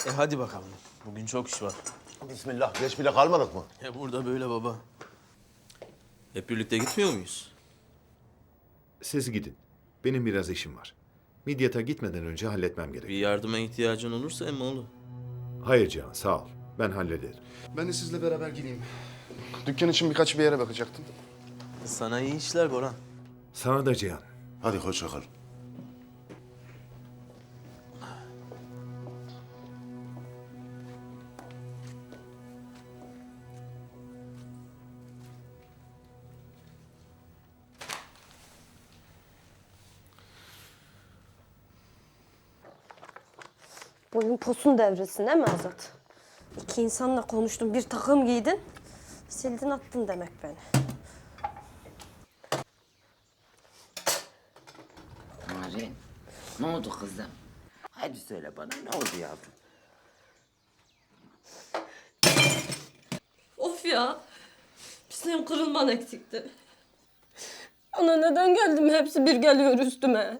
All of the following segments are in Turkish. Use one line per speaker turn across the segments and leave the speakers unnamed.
Hadi bakalım. Bugün çok iş var.
Bismillah, geç bile kalmadık mı?
Burada böyle baba. Hep birlikte gitmiyor muyuz?
Siz gidin. Benim biraz işim var. Midyat'a gitmeden önce halletmem gerek.
Bir yardıma ihtiyacın olursa emmoğlu.
Hayır Cihan, sağ ol. Ben hallederim.
Ben de sizle beraber geleyim. Dükkan için birkaç bir yere bakacaktım.
Sana iyi işler Boran.
Sana da Cihan.
Hadi hoşça kal.
Boyun posun devresin değil mi Azat? İki insanla konuştun, bir takım giydin. Sildin attın demek beni.
Narin, ne oldu kızım? Hadi söyle bana, ne oldu yavrum?
Of ya! Senin kırılman eksikti. Ana neden geldim? Hepsi bir geliyor üstüme.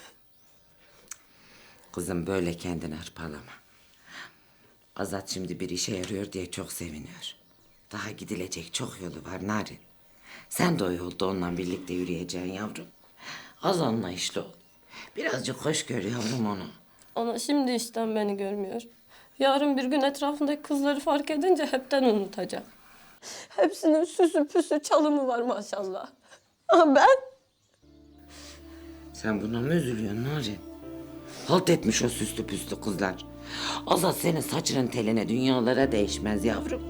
Kızım böyle kendini hırpalama. Azat şimdi bir işe yarıyor diye çok seviniyor. Daha gidilecek çok yolu var Narin. Sen de o yolda onunla birlikte yürüyeceksin yavrum. Az anlayışlı ol. Birazcık hoş gör yavrum onu.
Ana şimdi işten beni görmüyor. Yarın bir gün etrafındaki kızları fark edince hepten unutacak. Hepsinin süsü püsü çalımı var maşallah. Ama ben?
Sen buna mı üzülüyorsun Narin? Halt etmiş o süslü püslü kızlar. Azat senin saçının teline dünyalara değişmez yavrum.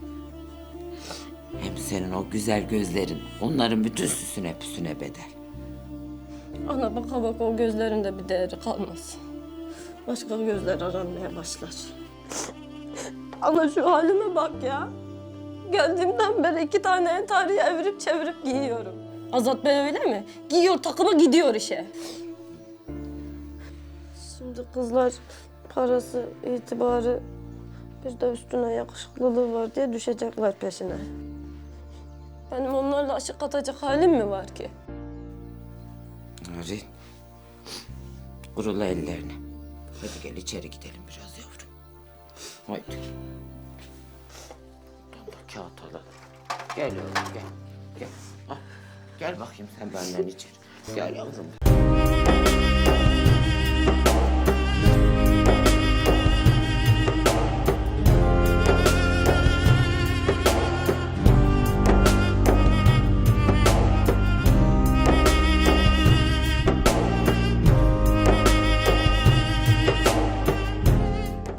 Hem senin o güzel gözlerin onların bütün süsüne püsüne bedel.
Ana baka baka o gözlerinde bir değeri kalmaz. Başka gözler aranmaya başlar. Ana şu halime bak ya. Geldiğimden beri 2 tane entariyi evirip çevirip giyiyorum. Azat Bey öyle mi? Giyiyor takımı gidiyor işe. Şimdi kızlar parası, itibarı bir de üstüne yakışıklılığı var diye düşecekler peşine. Benim onlarla aşık atacak halim mi var ki?
Narin, kurula ellerini. Hadi gel içeri gidelim biraz yavrum. Haydi. Buradan da kağıt alalım. Gel yavrum gel. Gel. Al. Gel bakayım sen benden içeri. Gel yavrum.